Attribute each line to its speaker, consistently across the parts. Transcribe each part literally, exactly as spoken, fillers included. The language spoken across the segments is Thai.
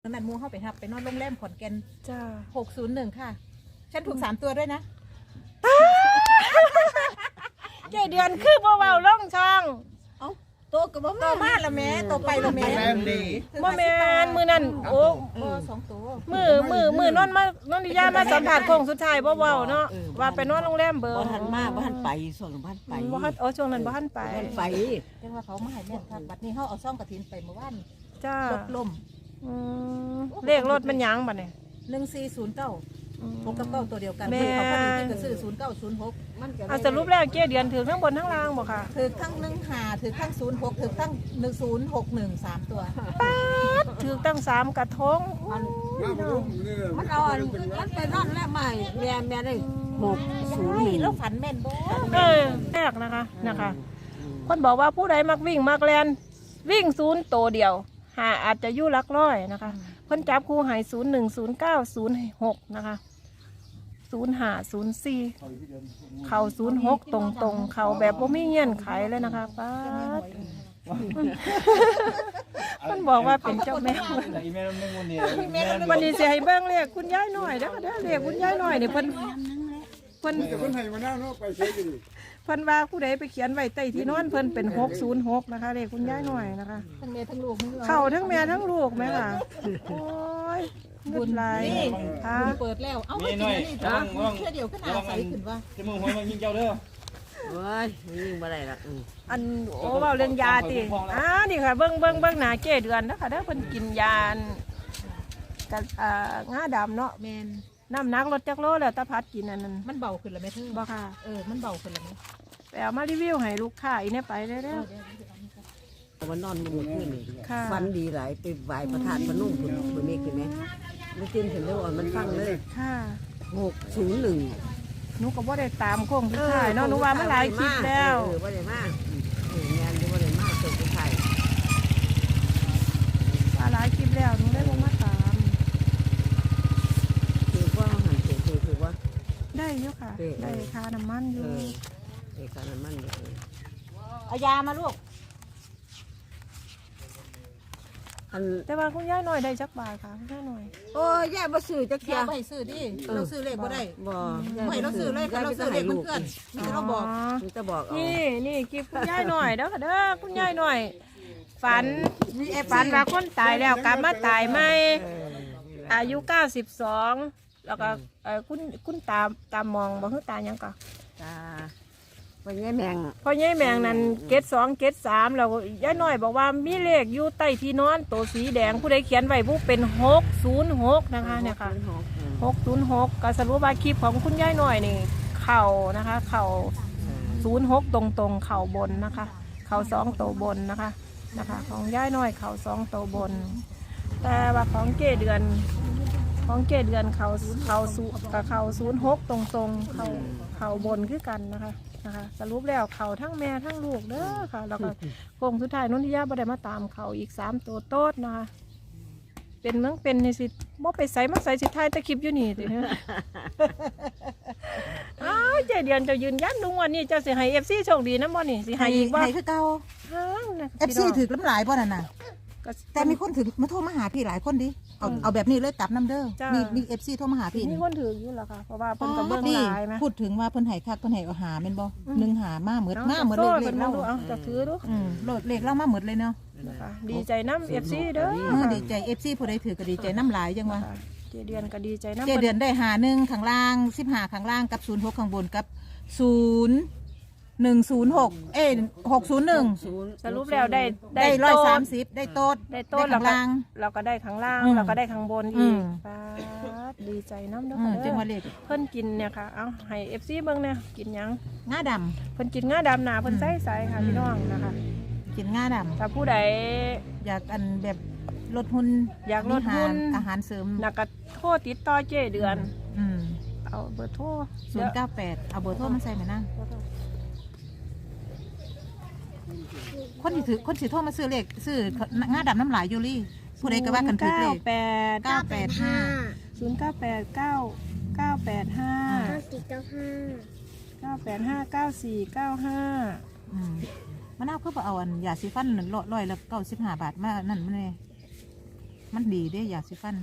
Speaker 1: ขนาดมูเข้าไปทับไปนอนโรงแรมขอนแก่น
Speaker 2: จ้า
Speaker 1: หกศูนย์หนึ่งค่ะฉันถูกสามตัวด้วยนะ
Speaker 2: เจ็ดเดือนคือบ่เบาล่องช่อง
Speaker 1: เอ้าโตกับบ่โตมาละแม่โตไปละแม่
Speaker 2: บ่แม่นมือนั่นโอ้
Speaker 1: สองตัว
Speaker 2: มือมือมือนอนมานอนดิยามาสัมผัสโค้งสุดท้ายบ่เว้าเนาะว่าไปนอนโรงแรมเบอร์
Speaker 3: บ่ทันมาบ่ทันไปส่วนบ่ทันไป
Speaker 2: บ่ทันโอ้ช่วงนั้นบ่ทันไป
Speaker 3: บ่ทันไป
Speaker 1: เรียกว่าเขามาให้แม่ทับบัดนี้เขาเอาซ่องกระถินไปเมื่อวาน
Speaker 2: จ้าร
Speaker 1: ถล่ม
Speaker 2: อืมเลขรถมันหยังบัดนี้
Speaker 1: หนึ่งสี่ศูนย์เก้าหกกับเก้าตัวเดียวกัน
Speaker 2: แม่
Speaker 1: เขาพอดีที่จะซื้อศูนย์เก้าศูนย์หกมันก็
Speaker 2: เอาสรุปแล้วเจ็ดเดือนถึงทั้งบนทั้งล่างบ่ค่ะ
Speaker 1: ถือทั้งหนึ่งหาถือทั้งศูนย์หกถือทั้งหนึ่งศูนย์หกหนึ่งสามตัว
Speaker 2: ถึงตั้งสามกระทง
Speaker 3: มันเอาอันมันไปนอนแล้วใหม่แม่แม่ได้หกศูนย์หนึ่ง
Speaker 1: แล้วฝันแม่นบ่
Speaker 2: เออแรกนะคะนะคะคนบอกว่าผู้ใดมักวิ่งมักแลนวิ่งศูนย์โตเดียวหาอาจจะยู่ลักร้อยนะคะเพิ่นจับคู่ใหายศูนย์หนึ่งศูนย์เก้าศูนย์หกนะคะศูนย์ห้าศูนย์สี่เข่าศูนย์หกตรงตรงๆเข่าแบบว่าไม่เงี้ยนไขเลยนะคะป้าดมันบอกว่าเป็นเจ้าแม่วันนี้เสียให้เบิ้งเรียกคุณยายหน่อยเด้อเด้อเรียกคุณยายหน่อยเนี่ยเพิ่นเพิ่น
Speaker 4: แต่คนไทยมาหน้าเนาะไปใช้กันดิ
Speaker 2: เพิ่นว่าผู้ใดไปเขียนไว้ใต้ที่นอนเพิ่นเป็นหกศูนย์หกนะคะเรียกคุณยายหน่อยนะคะ
Speaker 1: ทั้งแม่ทั้งลูกนี่
Speaker 2: เข้าทั้งแม่ทั้งลูกไหมค่ะโอ้ยบุญหลายค่ะ
Speaker 1: เปิดแล้วเอ้าไม่กินอันนี้จ้ะแค่เดียวก็น่าใสขึ้นว่า
Speaker 5: จะมึงหวยมายิงเจ้าเด้อ
Speaker 3: โอ้ยยิงบ่ได้ละอือ
Speaker 2: อันโอ้เว้าเรื่องยาติอ่านี่ค่ะเบิ่งเบิ่งเบิ่งหน้าเก้เดือนนะคะเด้อเพิ่นกินยากับอ่างาดำเนาะ
Speaker 1: แมน
Speaker 2: น้ำหนักลดจักโลแล้วตาพัดกินอันนั้น
Speaker 1: มันเบาขึ้นแล้วไหมเธอ
Speaker 2: บ่ค่ะ
Speaker 1: เออมันเบาขึ้นแล้วไหม
Speaker 2: ไปเอามารีวิวให้ลูกค้าอีเนี่ยไปเด้อ
Speaker 3: มันนอนบ่มื้อคืนนี่
Speaker 2: ค่ะ
Speaker 3: ฝันดีหลายไปไหว้ประธานพนมพุ่นบ่มีขึ้นไหมมันตื่นขึ้นแล้วอ่อนมันฟังเลย
Speaker 2: ค่ะ
Speaker 3: หกศูนย์หนึ่ง
Speaker 2: หนูก็บ่ได้ตามโค้งสุดท้ายเนาะหนูว่ามันหลายคลิปแล้ว
Speaker 3: เออบ่ได้มาเอองานบ่ได้มาเกิดไทย
Speaker 2: ว่าหลายคลิปแล้วหนูได้ลงมาตาม
Speaker 3: คือว่าหันเสียงคือว่า
Speaker 2: ได้อยู่ค่ะ
Speaker 3: เออ
Speaker 2: ได้ค่าน้ำมันอ
Speaker 3: เอยู่ อเอกสารมันเด้อ
Speaker 1: เอายามาลูก
Speaker 3: อัน
Speaker 2: แต่ว่าคุณย่าหน่อยได้จักบาทค่ะคุณย่าหน่อย
Speaker 3: โอ้ยย่าบ่ซื้อจักเที่
Speaker 1: ยาย ไปซื้อดิเราซื้อเลขบ่ได้
Speaker 3: บ่
Speaker 1: ไม่เราซื้อเลขเราซื้อเลขเพื่อนๆนี่เราบอก
Speaker 3: มันจะบอกเอา
Speaker 2: นี่นี่คลิปคุณย่าหน่อยเด้อค่ะเด้อคุณย่าหน่อย ฝันฝันว่าคนตายแล้วกลับมาตายใหม่
Speaker 3: เออ
Speaker 2: อายุเก้าสิบสองแล้วก็เอ่อคุณคุณตาตามองบ่คือตาหยังก็
Speaker 3: จ้าวันนี้แมง
Speaker 2: พอยายแมงนั้นเกตสองเกตสามแล้วยายหน่อยบอกว่ามีเลขอยู่ใต้ที่นอนตัวสีแดงผู้ใดเขียนไว้ผู้เป็นหกศูนย์หกนะคะเนี่ยค่ะหกศูนย์หกก็สรุปว่าคลิปของคุณยายหน่อยนี่เข่านะคะ เข่าศูนย์หกตรงตรงๆเข่าบนนะคะ เข่าสองตัวบนนะคะนะคะ ของยายหน่อยเข่าสองตัวบน แต่ว่าของเกเดือนของเกเดือนเข่าเข่าสูกับเข่าศูนย์หกตรงตรงๆเข่าเข่าบนคือกันนะคะนะคะสรุปแล้วเขาทั้งแม่ทั้งลูกเด้อค่ะแล้วก็โค้งสุดท้ายนนทิยาบ่ได้มาตามเขาอีกสามตัวโต๊ดนะคะเป็นเมืองเป็นในสิบ่ไปใส่มาใส่สิท้ายตะคลิปอยู่นี่ติเนาะ อ้าวเจเดือนเจะยืนยันลุงวันนี้เจ้าสิให้ เอฟ ซี โชคดีนะบ่นี่สิให้อีกบ่
Speaker 1: ให้คือเก่า
Speaker 2: อ้าวนะ
Speaker 1: เอฟซีถือน้ำหลายบ่นั่นน่ะ
Speaker 2: ก็
Speaker 1: แต่มีคนถึงมาโทรมาหาพี่หลายคนดิเอาเอาแบบนี้เลยกลับน้ำเด้อมีมีเอฟซีโทรมาหาพี่
Speaker 2: มีคนถืออยู่แล้วค่ะเพราะว่าเพิ่นก็เบิ่งหลายไหม
Speaker 1: พูดถึงว่าเพิ่นให้คักเพิ่นให้เอาหาแม่นบ่หนึ่งหามาเหมือนมาเหมือน
Speaker 2: โซ่
Speaker 1: เลข
Speaker 2: เพิ่น
Speaker 1: เล่า
Speaker 2: ดูเอาจะถือดู
Speaker 1: อืมโลดเลขเล่ามาเหมือนเลยเนาะ
Speaker 2: นะคะดีใจน้ำ เอฟ ซี เด้อ
Speaker 1: เออดีใจเอฟซีผู้ใดถือก็ดีใจน้ำหลายจังวะ
Speaker 2: ค่ะเจเดือนก็ดีใจน้ำ
Speaker 1: เจเดือนได้หาหนึ่งข้างล่างสิบหาข้างล่างกับศูนย์หกข้างบนกับศูนย์หนึ่งศูนย์หกเอ้หกศูนย์หนึ่ง
Speaker 2: สรุปแล้วได้
Speaker 1: ได้ร้อย
Speaker 2: โต๊ะ
Speaker 1: สามสิบได้โต๊ด
Speaker 2: ได้โต๊ะ
Speaker 1: ข้างล่าง
Speaker 2: เราก็ได้ข้างล่าง
Speaker 1: อืม
Speaker 2: เราก็ได้ข้างบน
Speaker 1: อื
Speaker 2: อี
Speaker 1: ม
Speaker 2: กป๊าดดีใจน้ำเด้อ
Speaker 1: อืม
Speaker 2: ค่ะ
Speaker 1: จังห
Speaker 2: เด้
Speaker 1: วะ
Speaker 2: อ
Speaker 1: เลข
Speaker 2: เพิ่นกินเนี่ยค่ะเอาให้ เอฟ ซี เบิ่งเนี่ยกินหยัง
Speaker 1: ง่าด
Speaker 2: เพิ่นกินงาดำหนาเพิ่นใส่ใส่ค่ะพี่น้องนะคะ
Speaker 1: ำกินง่าด
Speaker 2: ถ้าผู้ใด
Speaker 1: ำอยากอันแบบลดหุ่น
Speaker 2: อยากลดหุ่น
Speaker 1: มีอาหารอาหารเสริม
Speaker 2: นักก็โทรติดต่อเจเดือน
Speaker 1: อืม
Speaker 2: เอาเบอร์โทร
Speaker 1: ศูนย์เก้าแปดเอาเบอร์โทรมาใส่ไหมนั่งคนที่ถือคนสิโทรมาซื้อเลขซื้อง่าดำน้ำหลายยูรี่ผู้ใดก็ว่ากันถือเลข
Speaker 2: แปด
Speaker 1: เก้าแปดห้า
Speaker 2: ศูนย์เก้าแปดเก้าเก้าแปดห้า
Speaker 6: เก้าสี่เก้าห้า
Speaker 2: เก้าแปดห้าเก้าสี่เก้าห้า
Speaker 1: อืมมะนาวเพื่อเอาอันยาสีฟันร้อยร้อยละเก้าสิบห้าบาทมานั่นมันเลยมันดีเด้ยาสีฟัน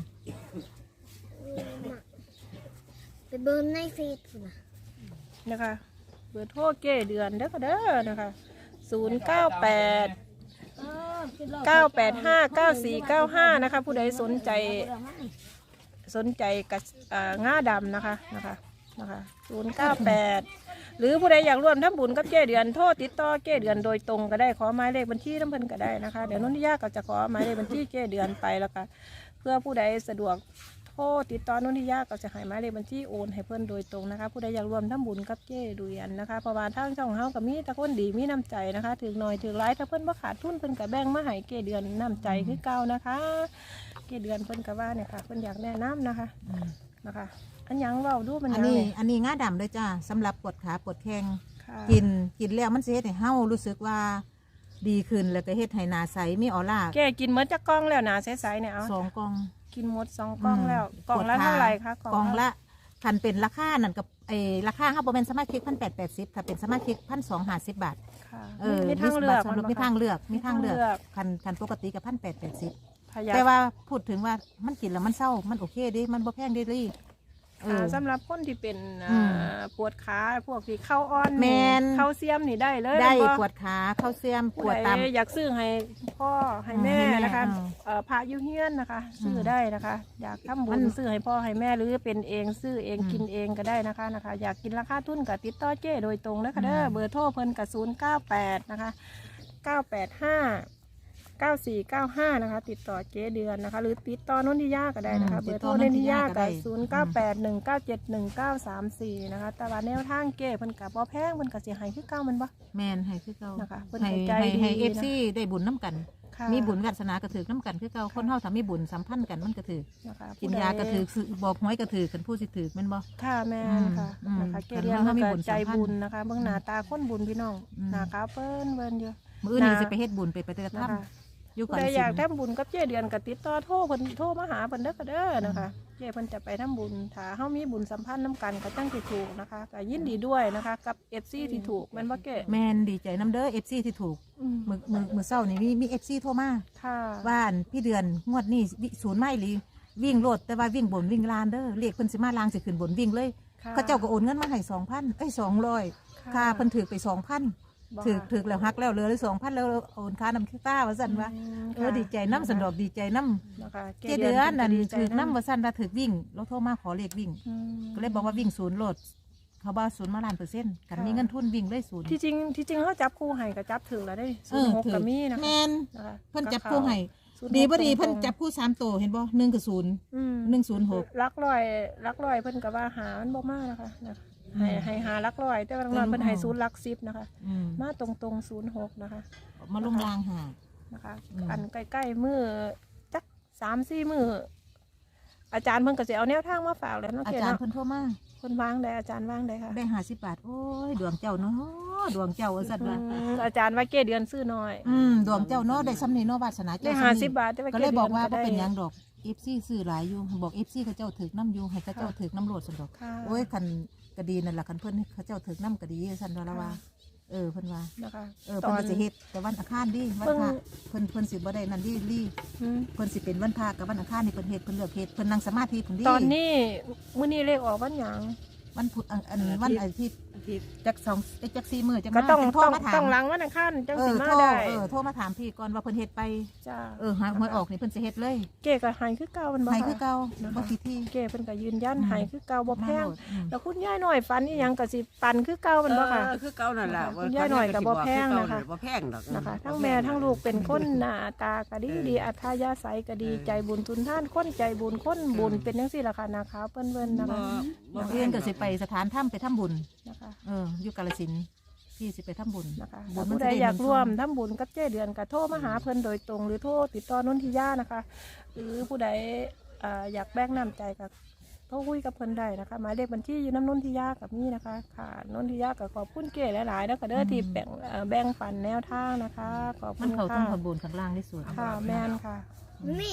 Speaker 5: ไปเบิ่งในเฟซพุ่นน่ะ
Speaker 2: นะคะเบอร์โทรเก้เดือนเด้อค่ะเด้อนะคะศูนย์เก้าแปดเก้าแปดห้าเก้าสี่เก้าห้านะคะผู้ใดสนใจสนใจกับอ่าง่าดำนะคะนะคะนะคะศูนย์เก้าแปดหรือผู้ใดอยากร่วมทำบุญกับเก้เดือนโทรติดต่อเก้เดือนโดยตรงก็ได้ขอหมายเลขบัญชีน้ำเพิ่นก็ได้นะคะเดี๋ยวนุ่นที่ยากก็จะขอหมายเลขบัญชีเก้เดือนไปแล้วก็เพื่อผู้ใดสะดวกโทรติดต่อนุ่นที่ยากก็จะให้หมายเลขบัญชีโอนให้เพิ่นโดยตรงนะคะผู้ใดอยากร่วมทำบุญกับเก้เดือนนะคะเพราะว่าทางช่องเฮาก็มีแต่คนดีมีน้ำใจนะคะถึงหน่อยถึงร้ายถ้าเพิ่นบ่ขาดทุนเพิ่นก็แบ่งมาให้เก้เดือนน้ำใจคือเก่านะคะเก้เดือนเพิ่นก็ว่าเนี่ยค่ะเพิ่นอยากแนะนำนะคะนะคะอันหยังเว้าดูมันห
Speaker 1: อั
Speaker 2: ยั
Speaker 1: น
Speaker 2: ง
Speaker 1: นี้
Speaker 2: เนี่ย
Speaker 1: อันนี้งาดำเลยจ้าสำหรับปวดขาปวดแข้ง
Speaker 2: ค่ะ
Speaker 1: กินกินแล้วมันสิเฮ็ดให้เฮารู้สึกว่าดีขึ้นแล้วก็เฮ็ดให้หน้าใสมีออร่า
Speaker 2: แกกินเมื่อจะกล่องแล้วหนาใสๆเนี่ยเอา
Speaker 1: สองกล่อง
Speaker 2: กินหมดสองกล่องแล้ว
Speaker 1: อืม
Speaker 2: กล่องละ
Speaker 1: ปวดขา
Speaker 2: เท่าไหร่คะ
Speaker 1: กล่องละคันเป็นราคานั่นกับไอ้ราคาเฮาบ่แม่นสมาชิกพันแปดแปดสิบถ้าเป็นสมาชิกพันสองห้าสิบบาท
Speaker 2: ค่ะ
Speaker 1: เออ
Speaker 2: มีทางเลือก
Speaker 1: มีมีทางเลือกมีทางเลือก
Speaker 2: มีทางเลือก
Speaker 1: คันคันปกติกับพันแปดแปดสิบ
Speaker 2: พยา
Speaker 1: แต่ว่าพูดถึงว่ามันกินแล้วมันเศร้ามันโอเคเดิมันบ่แพงเดิลี่เออ
Speaker 2: สำหรับคนที่เป็น
Speaker 1: อืม
Speaker 2: อ่าปวดขาพวกที่เข้าอ่อน
Speaker 1: แม่น
Speaker 2: เข้าเซียมนี่ได้เลย
Speaker 1: ได้
Speaker 2: บ่
Speaker 1: ปวดขาเข้าเสียมป
Speaker 2: ผู้
Speaker 1: วด
Speaker 2: ใด
Speaker 1: ตาม
Speaker 2: อยากซื้อให้พ่อให้แม่
Speaker 1: ให้แม่
Speaker 2: นะคะ
Speaker 1: อืม
Speaker 2: เอ่อพระอยุเฮียนนะคะซื้อได้นะคะ อยากทำบุ
Speaker 1: มั
Speaker 2: ญ
Speaker 1: น
Speaker 2: ซื้อให้พ่อให้แม่หรือเป็นเองซื้อเอง
Speaker 1: อืม
Speaker 2: กินเองก็ได้นะคะนะคะ อยากกินราคาทุนกับติดต่อเจ้โดยตรงนะคะเด้อ
Speaker 1: อืม
Speaker 2: เบอร์โทรเพิ่นกับศูนย์เก้าแปดนะคะเก้าแปดห้าเก้าสี่เก้าห้านะคะ ติดต่อเจ๊เดือนนะคะ หรือติดต่อนนทิยาก็ได้นะคะ เบอร์โทรนนทิยากับศูนย์เก้าแปดหนึ่งเก้าเจ็ดหนึ่งเก้าสามสี่นะคะแต่ว่าแนวทางเก้เพิ่นกับบ่แพงเพิ่นกับเสียหายคือเก่ามันบ่
Speaker 1: แมนให้คือเก่า
Speaker 2: นะคะเพิ่น
Speaker 1: ให้
Speaker 2: ใจ
Speaker 1: ให้
Speaker 2: ดี
Speaker 1: ให้
Speaker 2: นะ
Speaker 1: เอฟซีได้บุญน้ำกัน
Speaker 2: ค่ะ
Speaker 1: มีบุญวาสนากระถือน้ำกันคือเก่าคนเฮาถ้ามีบุญสัมพันธ์กันมันกระถือ
Speaker 2: นะคะ
Speaker 1: กิน
Speaker 2: ผู้ใด
Speaker 1: ยากระถือซื้อบอกหวยกระถือกันผู้สิถือแมันบ่
Speaker 2: ค่ะแม่นค่ะ
Speaker 1: อืม
Speaker 2: นะคะ
Speaker 1: อืม
Speaker 2: เกเรียน
Speaker 1: เพิ่
Speaker 2: มัน
Speaker 1: นมี
Speaker 2: ก็
Speaker 1: บุญ
Speaker 2: ใจ
Speaker 1: สัมพันธ์
Speaker 2: บุญนะคะเบื้องหน้าตาคนบุญพี่น้อง
Speaker 1: อืม
Speaker 2: หน้าขาวเปิ้นเบิ้นอยู่
Speaker 1: มื้ออื่นนี้
Speaker 2: นะ
Speaker 1: สิไปเฮ็ดบุญไปปฏิบัติธรร
Speaker 2: นะ
Speaker 1: ม
Speaker 2: คะ
Speaker 1: อยู่
Speaker 2: ผู้
Speaker 1: ก่อน
Speaker 2: ใด
Speaker 1: สิ
Speaker 2: อยากทำบุญกับเจเดือนก็ติดต่อโทรเพิ่นโทรมาหาเพิ่นเด้อก็เด้อนะคะเจเพิ่นจะไปทำบุญถ้าเฮามีบุญสัมพันธ์น้ำกันก็จังสิถูกนะคะก็ยินดีด้วยนะคะกับ เอฟ ซี ที่ถูกแม่นบ่เก้
Speaker 1: แมนดีใจน้ำเด้อ เอฟ ซี ที่ถูก
Speaker 2: อืม
Speaker 1: มือมือมือเศร้านี่มีมี เอฟ ซี โทรมา
Speaker 2: ค่ะ
Speaker 1: ว่าอันพี่เดือนงวดนี้วิศูนย์ไม่หรือวิ่งโลดแต่ว่าวิ่งบนวิ่งลานเด้อเรียกเพิ่นสิมาลางสิขึ้นบนวิ่งเลย
Speaker 2: ค่ะ
Speaker 1: เขาเจ้าก็โอนเงินมาให้สองพันเอ้ยสองร้อย
Speaker 2: ค่ะ
Speaker 1: ค่าเพิ่นถือไปสองพัน
Speaker 2: บ่
Speaker 1: ถือ
Speaker 2: ค่ะ
Speaker 1: ถือแล้วหักแล้วเหลือเลยสองพันแล้วโอนค่าน้ำขี้ต้าว่าสั่นว่า
Speaker 2: อืม
Speaker 1: เออ
Speaker 2: ค่ะ
Speaker 1: ดีใจน้ำสันดอกดีใจน้
Speaker 2: นะคะ
Speaker 1: ำเจเดือนนั่น
Speaker 2: พิ่ก็
Speaker 1: ถือ
Speaker 2: ดีใจ
Speaker 1: น้ำว่าสั่นว่าถือวิ่งเราโทรมาขอเลขวิ่ง
Speaker 2: อืม
Speaker 1: ก็เลยบอกว่าวิ่งศูนย์โหลด เขาบอกศูนย์มาล้านเปอร์เซ็นต์กัน
Speaker 2: ค่ะ
Speaker 1: มีเงินทุนวิ่งเลยศูนย์
Speaker 2: ที่จริงที่จริงเขาจับคู่ให้ก็จับถึงแล้วได้
Speaker 1: เอ
Speaker 2: ศูน
Speaker 1: อ
Speaker 2: ย์หก
Speaker 1: ถือ
Speaker 2: ก็มีนะคะ
Speaker 1: แมน
Speaker 2: นะคะ
Speaker 1: เพิ่นจับคู่ให้
Speaker 2: ศูนย์หก
Speaker 1: ดีบ่ดี
Speaker 2: ตรงๆ
Speaker 1: เพิ่นจับคู่สามตัวเห็นบ่หนึ่งกับศูนย์
Speaker 2: อืม
Speaker 1: หนึ่งศูนย์หก
Speaker 2: ลักลอยลักลอยเพิ่นก็ว่าหามันบ่มานะคะนะคะ
Speaker 1: อืม
Speaker 2: ให้ให้หาลักลอย แต่ว่าลักลอยเพิ่นให้ศูนย์ลักสิบนะคะ
Speaker 1: อืม
Speaker 2: มาตรงตรงศูนย์หกนะคะ
Speaker 1: มาลงรางหา
Speaker 2: นะคะ
Speaker 1: อืม
Speaker 2: อันใกล้ๆมือจักสามสี่มืออาจารย์เพิ่นก็สิเอาแนวทางมาฝากแล้วเนาะ
Speaker 1: อา
Speaker 2: เก
Speaker 1: จารย์
Speaker 2: เนาะ
Speaker 1: เพิ่นโทรมา
Speaker 2: เพิ่นวางได้อาจารย์วางได้ค่ะ
Speaker 1: ได้ห้าสิบบาทโอ้ยดวงเจ้าเนาะดวงเจ้าว่าซั่นว่า
Speaker 2: อืมอาจารย์ว่าเกเดือนซื้อน้อย
Speaker 1: อืมดวงเจ้าเนาะได้ซ้ำนี่เนาะวาสนา
Speaker 2: ได้
Speaker 1: เจ้า
Speaker 2: ห้า
Speaker 1: ซ้ำ
Speaker 2: สิ
Speaker 1: นี่
Speaker 2: บบาทแต่ว่า
Speaker 1: ก็
Speaker 2: เก
Speaker 1: เลย
Speaker 2: เดื
Speaker 1: บ
Speaker 2: อ
Speaker 1: อก
Speaker 2: น
Speaker 1: ว่า
Speaker 2: ก็
Speaker 1: บ่
Speaker 2: ได้
Speaker 1: เป็นหยังดอก เอฟ ซี ซื้อหลายอยู่บอก เอฟ ซี เขาเจ้าถึกน้ำอยู่ให้เขาเจ้าถึกน้ำโหลดซั่นดอก
Speaker 2: ค่ะ
Speaker 1: โอ้ยคันก็ดีนั่นล่ะคันเพิ่นเขาเจ้าถึกน้ำก็ดีซั่นว่าละว่า เออเพิ่นว่า
Speaker 2: นะคะ
Speaker 1: เออเพิ่นก็สิเฮ็ดแต่วันอังคารดิวันพระ
Speaker 2: เพิ่ง
Speaker 1: เพิ่นเพิ่นสิบ่ได้นั่นดิลี่
Speaker 2: อืม
Speaker 1: เพิ่นสิเป็นวันพระกับวันอังคารนี่เพิ่นเฮ็ดเพิ่นเลือกเฮ็ดเพิ่นนั่งสมาธิเพิ่นดิ
Speaker 2: ตอนนี้มื้อนี้เลขออกวันหยัง
Speaker 1: วันพุธอันอันวันอาทิตย์จักสองเอ้ยจักสี่มื้อจัก
Speaker 2: ก็
Speaker 1: มา
Speaker 2: ต้อง
Speaker 1: จัโทร
Speaker 2: ต้อง
Speaker 1: มาถาม
Speaker 2: ต้องหลังวันอังคารจัง
Speaker 1: เอ
Speaker 2: สิ
Speaker 1: อ
Speaker 2: มา
Speaker 1: โทร
Speaker 2: ได้
Speaker 1: เออโทรมาถามพี่ก่อนว่าเพิ่นเฮ็ดไป
Speaker 2: จ้า
Speaker 1: เออหาหวยออกนี่เพิ่นสิเฮ็ดเลย
Speaker 2: เก๋ก็ใหายคือเก่ามันบ่
Speaker 1: ให้
Speaker 2: ค่ะ
Speaker 1: คือเก่าบ่คิดที่
Speaker 2: เก๋เพิ่นก็ยืนยัน
Speaker 1: อืม
Speaker 2: ใหายคือเก่าบ่แพง
Speaker 1: มาโหลดอืม
Speaker 2: แล้วคุณยายหน่อยฝันอีหยังก็สิปันคือเก่ามันบ่ค่ะ
Speaker 3: เออคือเก่านั่นแหละ
Speaker 2: คุณยายหน่อยก็บ่แพงนะคะ
Speaker 3: บ่แพงดอก
Speaker 2: นะคะทั้งแม่ทั้งลูกเป็นคนหน้าตาก็ดีดีอัธยาศัยก็ดีใจบุญทุนท่านคนใจบุญคนบุญเป็นจังซี่ล่ะค่ะนาขาวเปิ้นเบิ่นนะ
Speaker 3: บ่
Speaker 2: คะ
Speaker 3: บ่แพ
Speaker 1: เพื่อน
Speaker 3: ง
Speaker 1: ก็สิไปสถานถ้ำไปทำบุญ
Speaker 2: นะคะ
Speaker 1: เอออยู่กาฬสินธุ์พี่สิไปทำบุญ
Speaker 2: นะคะ
Speaker 1: บุ
Speaker 2: ถ้า
Speaker 1: ญมัน
Speaker 2: ผู้
Speaker 1: จะ
Speaker 2: ใด
Speaker 1: ได้
Speaker 2: อยาก
Speaker 1: เงิน
Speaker 2: ร่วม
Speaker 1: ทอง
Speaker 2: ทำบุญกับเจ้เดือนก็โทรมาหาเพิ่นโดยตรง หรือโทรติดต่อนนทิยานะคะ หรือผู้ใดอ่าอยากแบ่งน้ำใจกับโทรคุยกับเพิ่นได้นะคะหมายเลขบัญชีอยู่น้ำนนทิยากับนี่นะคะค่ะนนทิยากับขอบคุณเก๋หลายๆแล้วก็เด้อที่แบ่งเอ่อแบ่งปันแนวทางนะคะขอบ
Speaker 1: มั
Speaker 2: คุ
Speaker 1: น
Speaker 2: ณ
Speaker 1: เขา
Speaker 2: ค่ะ
Speaker 1: ต้องขบวนข้างล่างที่สุด
Speaker 2: ค่ะแม่นค่ะ
Speaker 5: นี่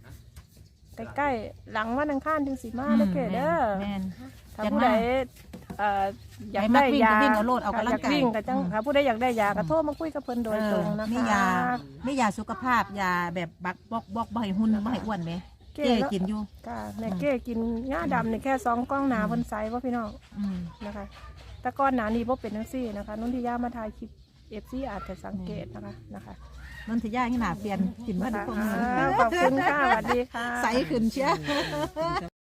Speaker 2: ใกล้ๆหลังวันอังคารถึงสิมาเด้อเก๋เด้อ
Speaker 1: แม่น
Speaker 2: ถ้า
Speaker 1: จัด
Speaker 2: ผู้
Speaker 1: มา
Speaker 2: ใดเอ่ออยาก
Speaker 1: ให้มั
Speaker 2: ได้
Speaker 1: กวิ่ง
Speaker 2: ยา
Speaker 1: ก็วิ่งเอาโลดเอากำลังกาย
Speaker 2: อยวิ่งก็จัง
Speaker 1: อืม
Speaker 2: ถ้าผู้ใดอยากได้ยาก็โทรมาคุยกับเพิ่นโดยตรงนะคะ
Speaker 1: มียามียาสุขภาพยาแบบบักบอกบอกบ่ให้หุ่นบ่ให้อ้วนไหมเจ๊กินอยู่
Speaker 2: ค่ะแม่เก้กินหญ้าดำนี่แค่สองกล้องหนาเพิ่นใส่ว่าพี่น้อง
Speaker 1: อืม
Speaker 2: นะคะแต่ก่อนหนานี้บ่เป็นจังซี่นะคะนุ่นที่ย่ามาถ่ายคลิป เอฟ ซี อาจจะสังเกตนะคะนะคะ
Speaker 1: นนทยาให้หนาเปลี่ยนกินมาทุกคน
Speaker 2: อ่าขอบคุณค่ะสวัสดีค่ะ
Speaker 1: ใสขึ้นเชียว